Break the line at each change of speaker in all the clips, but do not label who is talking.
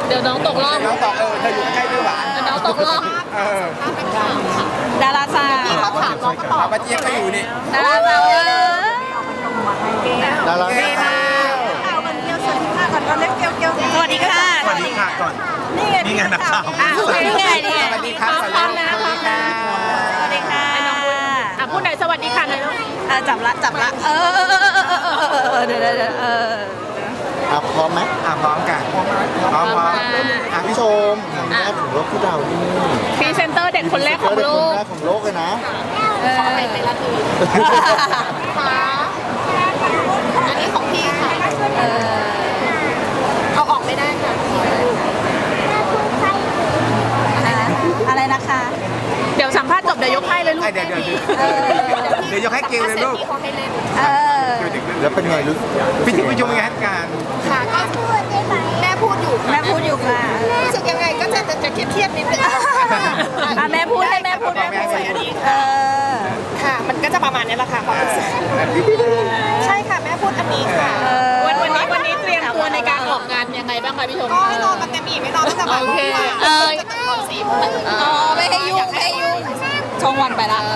เดี๋ยวน้องตกรอบ
น้องตอบเธออยู่ใกล้ด้วยหวาน
เดี๋ยวน้องตกรอบ
ดาราสาว
ที่เขาถามน้องก็ตอบ
ป้าเจี๊ยบก็อยู่นี่
ดาราสาว
ดารา
สวัสดีค่ะ
สวัสดีค่ะก่อนนี่ไงนักข่าว
นี่ไงนี่ไง
สวัสดีครับสวัสดีค่ะ
สวัสดีค่ะ
พูดหน่อยสวัสดีค่ะหน่อยลูก
จับละเดี๋ยว
พร้อมไหม
พร้อมกันพร้อม
พี่ชมครั้งแรกของโลกพี่ดาวนี่
พรีเซนเตอร์เด็กคนแรกของโลก
คนแรกของโลกเลยนะ
ขอไปเป็นละทีค่ะอันนี้ของพี่ค่ะเอาออกไม่ได้ค่ะ
อะไรนะคะ
เดี๋ยวสัมภาษณ์จบเดี๋ยวยกให้เลยลูก
เดี๋ยวยกให้เกลเลยลูก
พี่เขาให้เล่น
แล้วเป็นไงรู้
พี่ทิพย์ผู้ชมเป็นไงการ
ค่ะก็แม่พูดอยู่
แม่พูดอยู่ค่ะ
รู้สึกยังไงก็จะเครียดนิดนึง
แม่พูดให้แม่พูด
ค่ะมันก็จะประมาณนี้แหละค่ะความรู้สึกใช่ค่ะแม่พูดอันนี้ค่ะวันนี้เตรียมตัวในการออกงานยังไงบ้างคะพี่ชมก็นอนกันเต็มอิ่มไม่นอนตั้งแต่บ่ายโมงจะตื่นตอน4 โมง
ไม่ให้ยุ่งช่องวันไปละ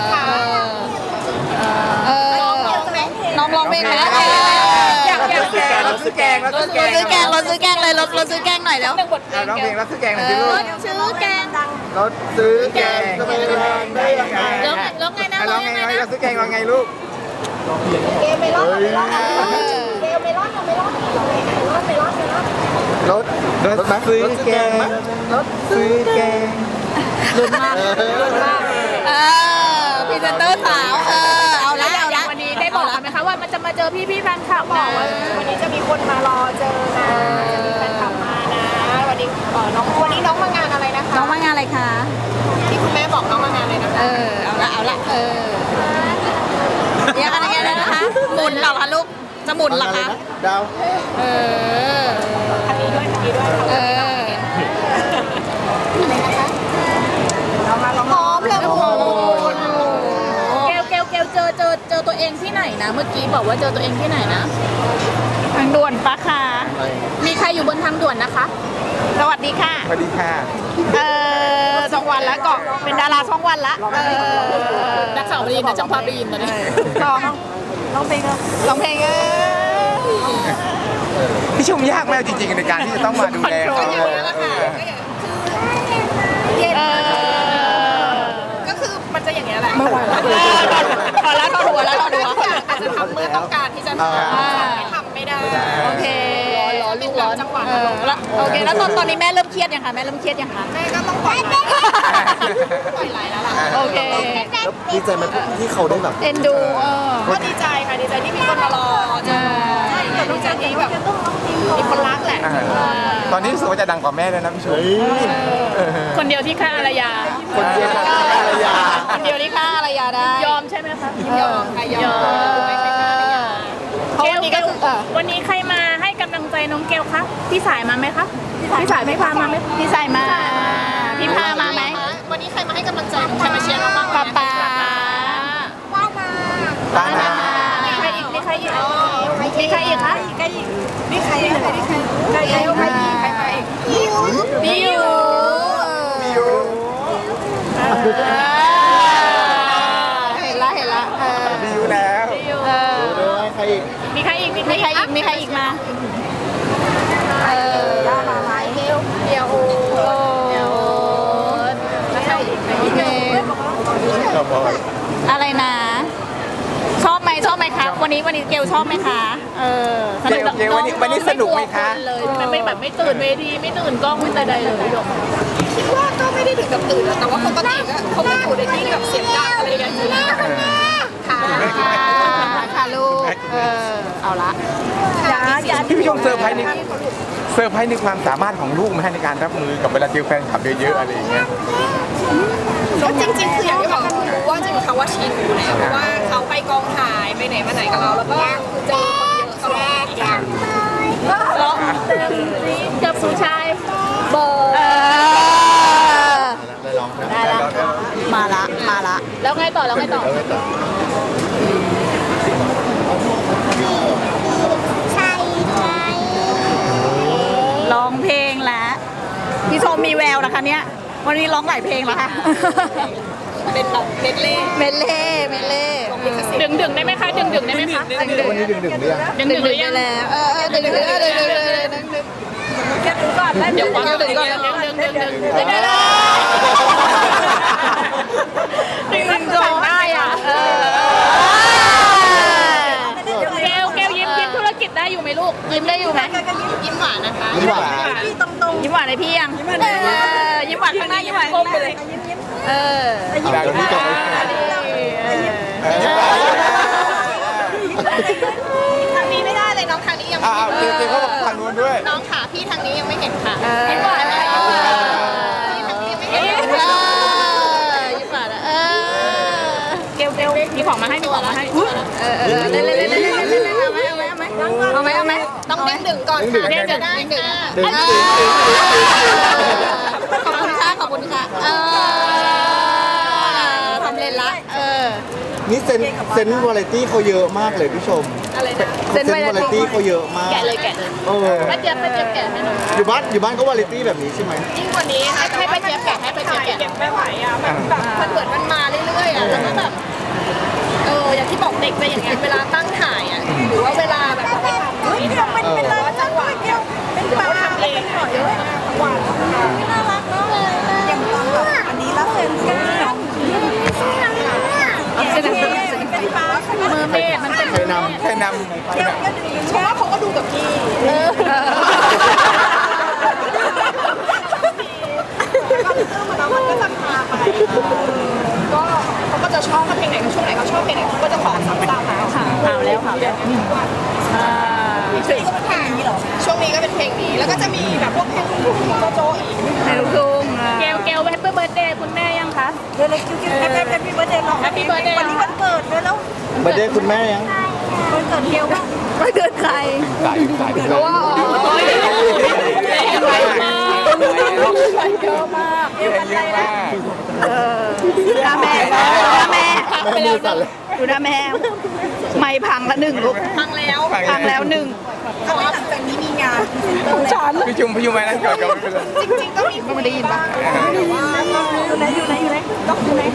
น้องร้องเพลงไหมอยาก
ซื้อแกง
รถซื้อแกงเลยรถซื้อแกงหน่อยแล้ว
ร้องเพลงรับซื้อแกงหน่อยสิลูก
ซื้อแกง
รถซื้อแกงได้ยังไง
แล้วไงนะ
ร้องไงรถซื้อแกงร้องไงลูก
เกมไม่รอด
รถซื้อแกงรถซื้อแกง
ลุ้นมาก
พรีเซนเตอร์สาวเอาละ
วันนี้ได้บอกกันไหมคะว่ามันจะมาเจอพี่แฟนคลับบอกว่าวันนี้จะมีคนมารอเจอนะมีแฟนคลับมานะวันนี้วันนี้น้องมางานอะไรนะคะ
น้องมางานอะไรคะ
ที่คุณแม่บอกน้องมางานอะไรนะคะ
เอาละเดี๋ยวอะไรนะคะ หมุนเหรอคะลูก จะหมุนเหรอคะ
ดาว
คันนี้ด้วยพร้อมเลยโอ้โหเกลเจอตัวเองที่ไหนนะ เมื่อกี้บอกว่าเจอตัวเองที่ไหนนะทางด่วนปะค่ะมีใครอยู่บนทางด่วนนะคะ
สวัสดีค่ะ
สวัสดีค่ะ
ช่องวันแล้วก็เป็นดาราช่องวันละ
นักข่าวได้ยินนะจังภาพได้ยินตอนนี้
ร้องเพลง
พี่ชมยากมากจริงๆในการที่จะต้องมาดูแลเขา
ก็คือมันจะอย่างเงี้ยแหละ
พอแล้วทอหัวแล้ว
อาจจะทำเมื่อต้องการที่จะทำไม่ได้โอเครอลูกร้อนจังหวะ
โอเคแล้วตอนนี้แม่เริ่มเครียดยังคะแม่
ก็ต้องปล่อยไหลแล้วล่ะ
โอเค
แล้วดีใจไหมที่เขาได้แบบ
เอ็นดู
ก็ดีใจค่ะดีใจที่มีคนมารอเจอดีใจที่แบบมีคนรักแหละ
ตอนนี้รู้สึกว่าจะดังกว่าแม่แล้วนะพี่ชม
คนเดียวที่ฆ่าอารยา
คนเดียวกับภรรยา
คนเดียวที่ฆ่าอารยาได้
ยอมใช่ไหมคะยอมค่ะยอมไม่ฆ่าอารยาวันนี้ใครมาให้กำลังใจน้องเกลคะพี่สายมาไหมคะพี่สายไม่พามาไหม
พี่ใส่มาพี่พามาไหม
วันนี้ใครมาให้กำลังใจใครมาเชียร์น้องบ้าง
ป๊า
ป้านา
มีใครอีกคะมีใครอีกมาอีก
พี่อยู่ เห็นละ
ดีอยู่แล้ว
ใครอีก
มีใครอีก
มีใครอีกมา
เดี๋ยวแล้วใครอีก
อะไรนะชอบไหมคะวันนี้เกลชอบไหมคะ
เกลวันนี้สนุกไหมคะ
เลยมันไม่แบบไม่ตื่นเวทีไม่ตื่นกล้องไม่แต่ใดเลยคิดว่าก็ไม่ได้ถึงกับตื่นแต่ว่าปกติเขาไม่อยู่ในที่แบบเสียงดังอะไรอย่างนี้
ค่ะลูกเอาละ
พี่ชมเซอร์ไพรส์ในความสามารถของลูกไหมในการรับมือกับเวลาเจอแฟนคลับเยอะๆอะไรอย่างเงี้ย
ก็จริงๆคืออย่างที่บอกคือรู้ว่าจริงๆเขาว่าชินอยู่แล้วเพราะว่าเขาไปกองถ่ายไปไหนมาไหนกับเราแล้วก็เจอคนเยอะตลอดร้องกับผู้ชายเบอร์
ได้ลองนะ
มาละ
แล้วไงต่อ
ร้องเพลงแล้ววันนี้ร้องหลายเพลงแล้วค่ะ
เป็นแบบเมดเล่
เมเล่เมเล่
ดึงได้ไหมคะดึงได้ไหมคะ
วันนี้ดึงหรือยัง
ดึงหรือยังแล้วดึงแค่ดึงก่อนได้
เดี๋ยวก่อน
ดึงก่อน
ดึง
ดึงก่อนได้อ่ะ
แก้วยิ้มธุรกิจได้อยู่ไหมลูก
ยิ้มได้อยู่ไหม
ยิ้มหวานนะคะ
ยิ้มหวาน
ยิ้มหวานในพี่ยังยิ้มหวานข้างหน้ายิ้มหวาน
ก้มไปเลย
อยากรู้จัก
ทางนี้ไม่ได้เลยน้องทางนี้ยังไม่
อ้าว
เห็น
เจเขาบอกทางนู้นด้วย
น้องขาพี่ทางนี้ยังไม่เห็นค่ะ
ยิ้มหวานนะยิ้มหวาน
ทางนี้ไม่เห็น
ยิ้มหวานเกลมีของมาให้มีของมาให้เล่นเอาไหม
ต้องดึงก่อนค่ะจะได้ค่ะ
ดึง
ขอบคุณค่ะทำเล่นละ
นี่เซนวาไรตี้เขาเยอะมากเลยพี่ชม
อะไรนะ
เซนวาไรตี้เขาเยอะมาก
แกะเลย ป้าเจี๊ยบแกะให้หน่อย
อยู่บ้านก็วาไรตี้แบบนี้ใช่ไหม
ยิ่งกว่านี้ค่ะให้ป้าเจี๊ยบแกะไม่ไหวอ่ะมันแบบมันเหมือนมันมาเรื่อยๆอ่ะแล้วก็แบบอย่างที่บอกเด็กไปอย่างเงี้ยเวลาตั้งถ่ายอ่ะหรือว่าเวลาแบบไปทำนี่ทำเป็นว่าจังหวะเป็นปลาทำเองหน่อยเยอะหวานน่ารักมากเลยอย่างแบบอันนี้แล้วเป็นก้าวเป็นปลามือเมฆมันเป็น
เคยนำ
เพราะว่าเขาก็ดูกับพี่มันก็จะพาไปก็เขาก็จะชอบเพลงไหนช่วงไหนเขาชอบเพลงไหนเขาก็จะขอซ้ำๆแล้วค่ะช่วงนี้ก็เป็นเพลงนี้เหรอช่วงนี้ก็เป็นเพลงนี้แล้วก็จะมีแบบพวกเพลงลูกทุ่งโจอีก
ในลูกทุ่ง
เกลแฮปปี้เบิร์ดเดย์คุณแม่ยังคะ
เดี๋ยวเลยคิวแฮปปี้เบิร์ดเดย์เรา
แฮปปี้เบิร์ดเดย์
วันนี้วันเกิดด้วยแล้ว
เบอร์เดย์คุณแม่ยัง
วันเกิดเที่ยวบ้าง
ไม่เกินใคร
สาย
เพราะว่าเยอะมาก
เยอะมาก
ดูหน้าแม่
แม่มือสั่นเลย
ดูหน้าแม่ไม่พังละหนึ่งลูก
ฟังแล้ว
พังแล้วหนึ่ง
แต่ว่าหลังจากนี้มีงานฉัน
พี่ชุมไปนั่นก่อนก็ไม่เป็นไร
จริงๆก็มี
ไม่ได้ยินปะ
แต่ว่าก็
อยู่ไหนต้องอยู่ไหน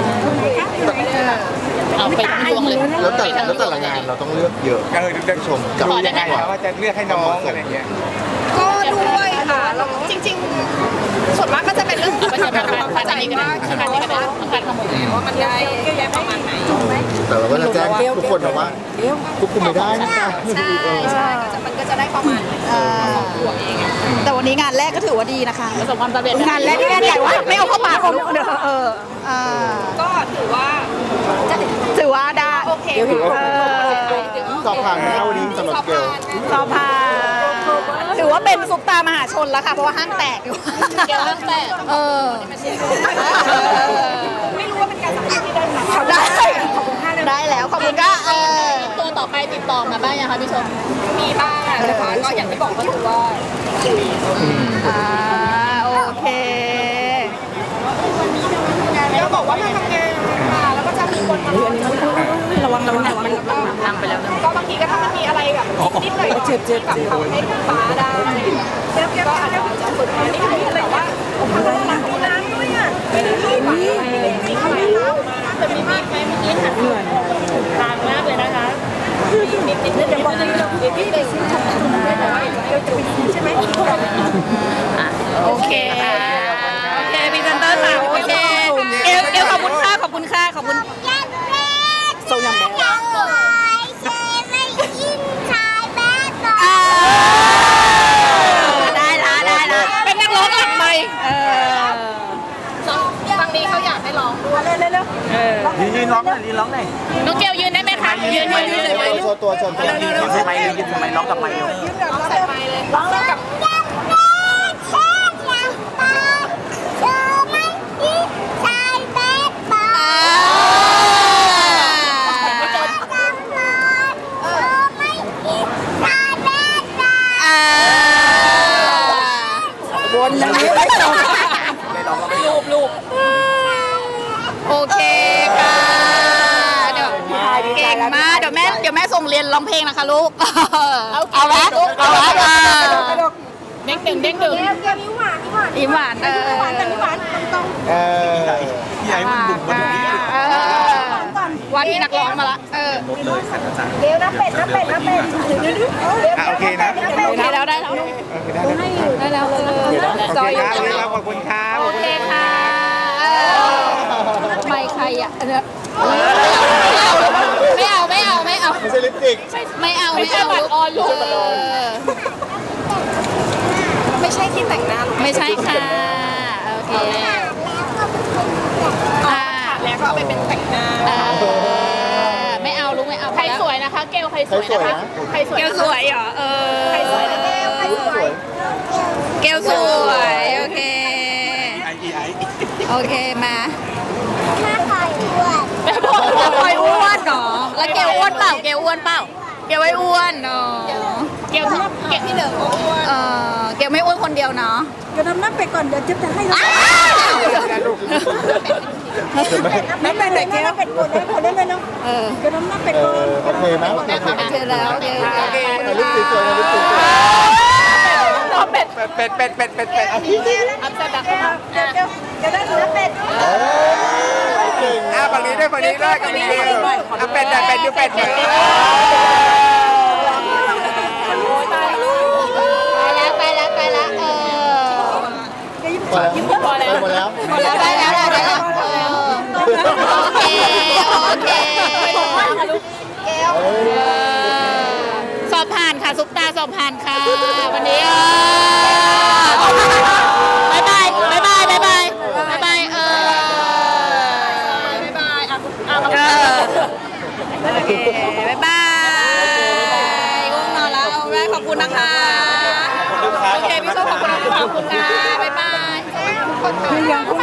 เอาไปทั้งดวงเลย
แล้วแต่ละงานเราต้องเลือกเยอะ
เด็กชมดูยังไงว่าจะเลือกให้น้องอะไรเงี้ย
ก็ด้วยค่ะแล้วจริงๆส่วนมากก็จะเป็นเรื่องของความเข้าใจว่าการที่เป็นการขโมยว่ามันได้เยอะแยะประมาณไหน
แต่เราก็จะแจ้งทุกคนนะว่าควบคุมไม่ได้นะ
ใช่มันก็จะได้ประมาณตัวเอง
แต่วันนี้งานแรกก็ถือว่าดีนะคะ
ประสบความสำเร็จ
งานแรกที่แม่ใหญ่ว่าไม่เอาเข้าปากลูก
ก็ถือว่า
ถือว่าได้
โอเค
สอบผ่านไหมครับวันนี้สำหรับเกล
สอบผ่านถือว่าเป็นซุปตามหาชนแล้วค่ะเพราะว่าห้างแตกอยู่
เกี่ยวกับแต่ ไม่รู้ว่าเป็นการสัมภาษณ์ที่ได้ไหม
เขาได้แล้วขอบคุณก็
ตัวต่อไปติดต่อมาบ้างยังคะพี่ชมมีบ้างนะคะก็อย่างที่บอกก็คือว่า
โอเค
ก็บอกว่าถ้าทำงานมาแล้วก็จะมีคนมาระวังนั่งไปแล้วก็บางทีก็ถ้ามันมีอะไรแบบนิดหน่อยที่แบบทำให้ฟ้าได้ก็อาจจะฝึกมานิดนึงแต่ว่าน้ำด้วยอ่ะไม่ได้ที่ฝังมีเข้าไปน้ำแต่มีมากไหมเมื่อกี้หันทางมากเลยนะคะนิดเดี๋ยวบอกนิดนึงแต่ว่าเดี๋ยวจะไปใช่ไหม
โอเคพรีเซนเตอร์สาวโอเคเอลขอบคุณค่ะขอบคุณค่ะขอบคุณส่งอย่างแบบได้ละเป็นนักร้องหลังใหม่
บางทีเขาอยากให้ร้องด้วย
ยืนร้องหน่อยยืนร้องหน่อย
น้องเกลยืนได้ไหมคะยืนเลยไหม
โชว์ตัว
ยืนทำไมยืนทำไมร้องกับไมค์
ร้องใส่ไมค์เลยร้องกับ
วนอย่างนี้ไม่จบรูปโอเคค่ะเดี๋ยวเก่งมากเดี๋ยวแม่ส่งเรียนร้องเพลงนะคะลูกเอาไหมเด้งดึงเด้งดึง
เกลยิ้มหวานยิ้มหวาน
ยิ้มหวาน
หวานแต่ไม่หวานตรง
พี่ไอ้มันบุกมาถึงนี่
ว่าที่นักร้องมาละ
รถเลยสัตว์อาจารย์
ๆเกลน้ำเป็ดน้ำเป็ดน้ำเป็ด
โอเคนะ
โอเคแล้วได้แล้ว ได้แล้ว
โอเคครับขอบคุณครับ
โอเคค่ะไม่ใครอ่ะไม่เอา
ไม่ใช่ลิปสติก
ไม่เอาออนลูก
ไม่ใช่ที่แต่งหน้าหรอก
ไม่ใช่ค่ะโอเค
แล้วก็เอาไปเป็นแต่งหน้า
ไม่เอาลูกไม่เอาใครสวยนะคะ เกลใครสวย
สวย
นะคะ
นะ
ใครสวยเกลสวยเหรอใครสวยนะเกล
ใครสวย
เกลสวยโอเค
ไอ้
โอเคมา
ถ้าคอยอ้วน
แม่บอกว่าคอยอ้วนเนาะแล้วเกลอ้วนเปล่าเกลอ้วนเปล่าเกลไม่อ้วนเนาะเกล
ที่เหลือก็อ้วน
เกลไม่อ้วนคนเดียวเนาะ
เดี๋ยวทำน้ำเป็ดก่อนเดี๋ยวจะให้น้ำเป็ดเลยน้ำเป็ดกดได้เลยเนาะเดี๋ยวน้ำเป็ดก่อน
โอเคไหม
โอเคแล้วโอเค
ลิปสติกสวยนะลิปสติกสวย
เป็ด
อัพเซตดัก
เดี๋ยวได้น้ำเป็ด
เก่ง
ฝั่งนี้ด้วยฝั่งนี้ด้วยกันนี้เป็ดดูเป็ดหน่อย
ไปแล้ว
พอแล้วหมดแล้ว
ได้แล้วโอเคสอบผ่านค่ะซุปตาสอบผ่านค่ะวันนี้บายบายโอเคบายบายง่วงนอนแล้วเอาได้ขอบคุณนะคะโอเคพี่ส้มขอบคุณค่ะบ๊ายบาย